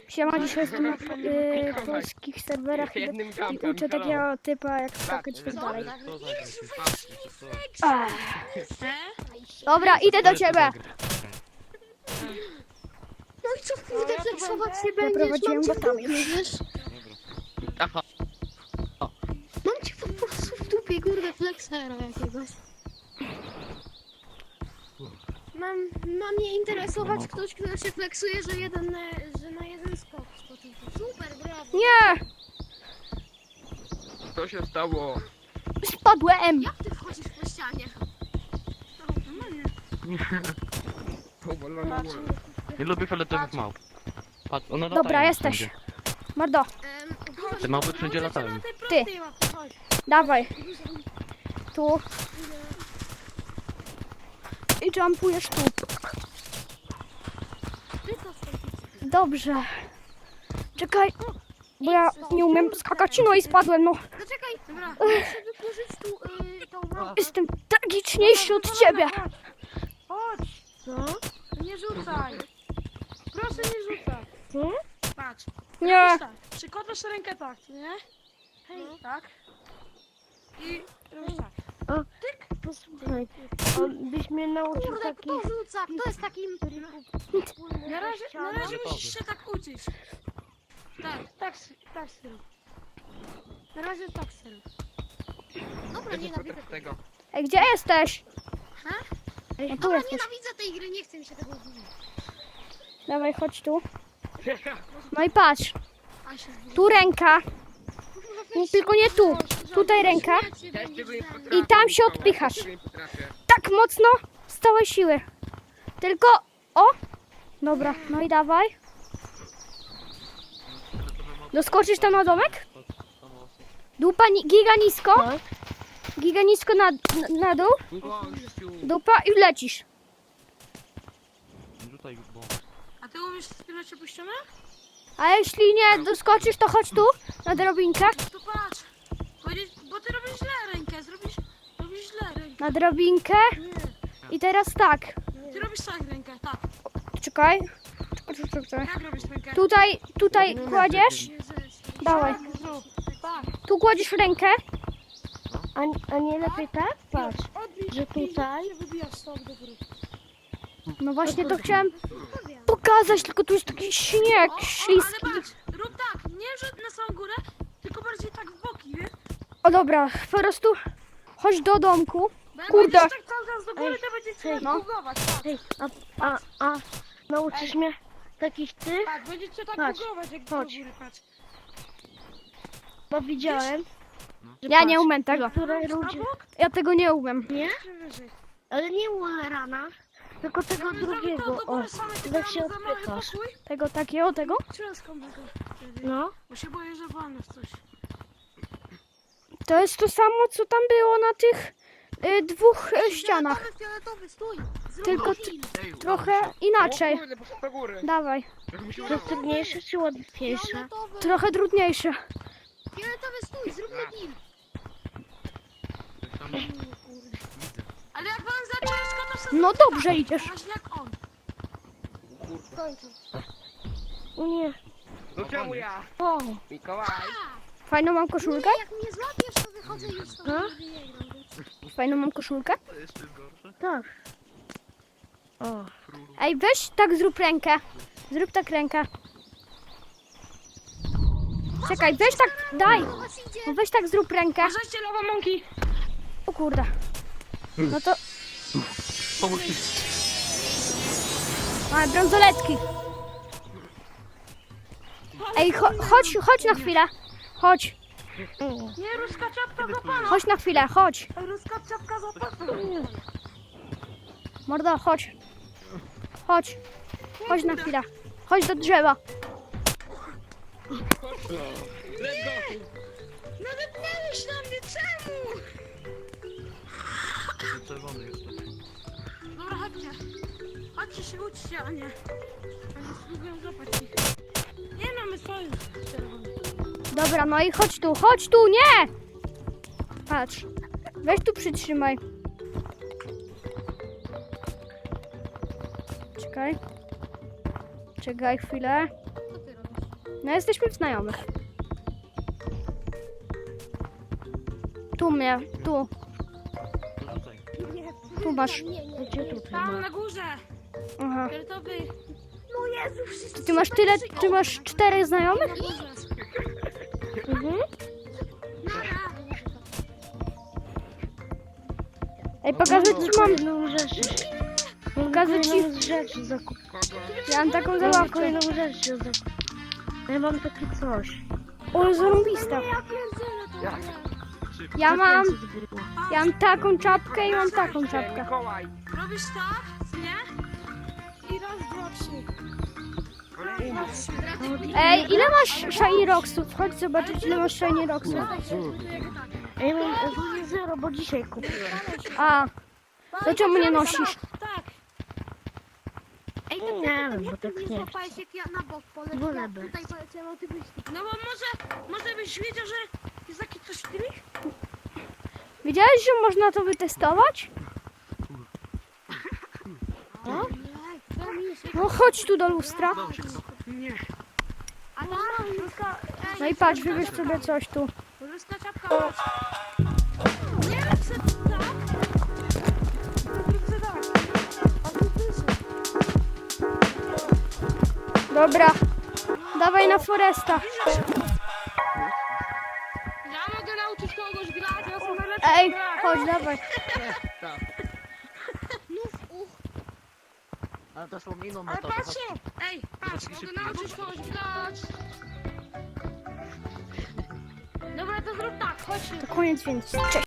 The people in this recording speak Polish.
Siema, dzisiaj jestem na polskich serwerach i uczę takiego typa jak skakać i tak dalej. Dobra, idę do ciebie. No i co kurde flexować się będziesz? Zaprowadziłem go tam już. Wiesz? Mam cię po prostu w dupie, kurde, flexera jakiegoś. Ma mnie interesować ktoś, kto się flexuje, że na jeden skok skoczył. Super, brawo. Nie, Co się stało? spadłem. Jak ty wchodzisz po ścianie? No, normalnie. Powolony łeb. Nie lubię fioletowych małp. Patrz, one Dobra, latają jesteś. wszędzie. Mordo, Te małpy wszędzie latają. Ty. dawaj. Tu. I jumpujesz tu. Dobrze. Czekaj, bo ja nie umiem skakać, no i spadłem, no. Zaczekaj, dobra, muszę wykurzyć tu tą małpę. Jestem tragiczniejszy od ciebie. Chodź! Co? Nie rzucaj! Proszę nie rzucaj! Patrz. Nie, Robisz tak. Przykładasz rękę tak, nie? Hej, tak. I robisz tak. Posłuchaj, on byś mnie nauczył Kurde, takich... kto rzuca? Kto jest takim... Na razie musisz się tak uczyć. Tak Syru. Na razie tak Syru. Dobra, nienawidzę tego. ej, gdzie jesteś? Ha? No tu Dobra, jesteś. nienawidzę tej gry, nie chce mi się tego używać. Dawaj, chodź tu. No i patrz, A się zbliża. tu ręka, no, tylko nie tu. Tutaj ręka i tam się odpychasz. Tak mocno, z całej siły. Tylko, o! Dobra, no i dawaj. Doskoczysz tam na domek? Dupa giga nisko. Giga nisko na dół. Gościu. Dupa i lecisz. Rzucaj bombę. A ty umiesz wspinać się po ścianę? A jeśli nie doskoczysz, to chodź tu na drobinkę. To patrz. Bo ty robisz źle rękę, robisz źle rękę. Na drobinkę. I teraz tak. Ty robisz tak rękę, tak. Czekaj. Czekaj. Jak robisz rękę? Tutaj kładziesz. Dawaj. Tak. Tu kładziesz rękę. A nie lepiej tak? Patrz, że tutaj... Się wybijasz stąd do góry. No właśnie to chciałem pokazać, tylko tu jest taki śnieg śliski. Ale patrz, rób tak, nie że na samą górę, tylko bardziej tak w boki, wiesz? O dobra, po prostu chodź do domku. Bo jak Kurde. będziesz tak cały czas do góry, to będzie cię no. bugować. Tak, Hej, a nauczysz mnie takich tych? tak, będzie cię tak Patrz, bugować, jak chodź. do góry, patrz. Bo widziałem, że Ja nie patrz, umiem tego. niektóre Na ludzie... bok, Ja tego nie umiem. Nie? czy wyżej. Ale nie u rana, tylko tego Żeby zrobić to drugiego. do O, góry same, ty tak się tam za mały odpychasz. pokój. Tego takiego, tego? Trzaską tego wtedy. No, Bo się boję, że walnę w coś. To jest to samo, co tam było na tych dwóch ścianach. Fioletowy, stój! Zrób Tylko film. trochę inaczej. Kurde, poszedł do góry. Dawaj. Jak mi się to udało. jest trudniejsze czy łatwiejsze? Fioletowy, Trochę trudniejsze. fioletowy, stój! Zróbmy film. Ale jak wam za ciężko, to sobie No dobrze idziesz. właśnie jak on. W końcu. Nie. No czemu ja? O, Mikołaj. Fajną mam koszulkę? Nie, jak mnie złapiesz, to wychodzę już stąd. Nigdy nie gram. Fajną mam koszulkę? To jeszcze jest gorsze. tak. O, Ej, weź tak zrób rękę. Zrób tak rękę. Czekaj, weź tak, daj. Zobacz, idzie. No weź tak zrób rękę. Uważajcie, lawa mąki. O kurde. No to Pomóż mi. mamy brązoletki. Ej, chodź na chwilę. Chodź, Nie, ruska czapka za pana. chodź na chwilę, chodź. Ruska czapka za pana. Mordo, chodź. Chodź. Chodź na chwilę. Chodź do drzewa. Nalepnęłeś na mnie, czemu? Czerwony jest. Dobra, chodźcie. Chodźcie się uczcie, a nie. Oni spróbują złapać ich. Nie no, my sojusz czerwony. Dobra, no i chodź tu, nie! Patrz. Weź tu przytrzymaj. Czekaj. Czekaj chwilę. Co ty robisz? No jesteśmy znajomych. Tu mnie, tu. To rzucaj. Tu masz. Gdzie tutaj Tam ma? na górze. Aha. Fioletowy. No Jezu, wszyscy Ty masz tyle, ty masz 4 znajomych? Na górze. Mhm. Ej, pokażę ci mam. Kolejną rzecz. Pokażę ci. Kolejną rzecz zakup. Kogo? Ja mam taką Mam zabawkę. kolejną rzecz zakup. Ja mam takie coś. O, zarąbista. Ja pierdzielę to. Jak? Ja mam, 500 było. ja mam taką czapkę i mam taką czapkę. Mikołaj. Robisz tak, nie? I raz, dwa, trzy. Ej, ile masz Shiny Rocksów? Chodź zobaczyć, ile masz Shiny Rocksów. Ej, mam ogólnie 0, bo dzisiaj kupiłem. A, to czemu nie nosisz? Tak. Ej, Nie wiem, bo tak nie nie złapałeś jak ja na bok poleciałem. Wolę by. Tutaj poleciałem, a ty byś... No bo może byś wiedział, że jest taki coś w tymi? Wiedziałeś, że można to wytestować? No chodź tu do lustra. Nie. A tam No i patrz, wybierz sobie coś tu. Ruska czapka. Nie, chcę tak. Chcę tak. A tu pyszę. Dobra, dawaj na Foresta. Ja mogę nauczyć kogoś grać, ja jestem najlepszy Ej, gracz. chodź, dawaj. Tak. Ale to szło mimo Ale patrzcie! Ej, patrz, mogę nauczyć kogoś grać. Dobra, to zrób tak, chodź. To koniec, więc cześć.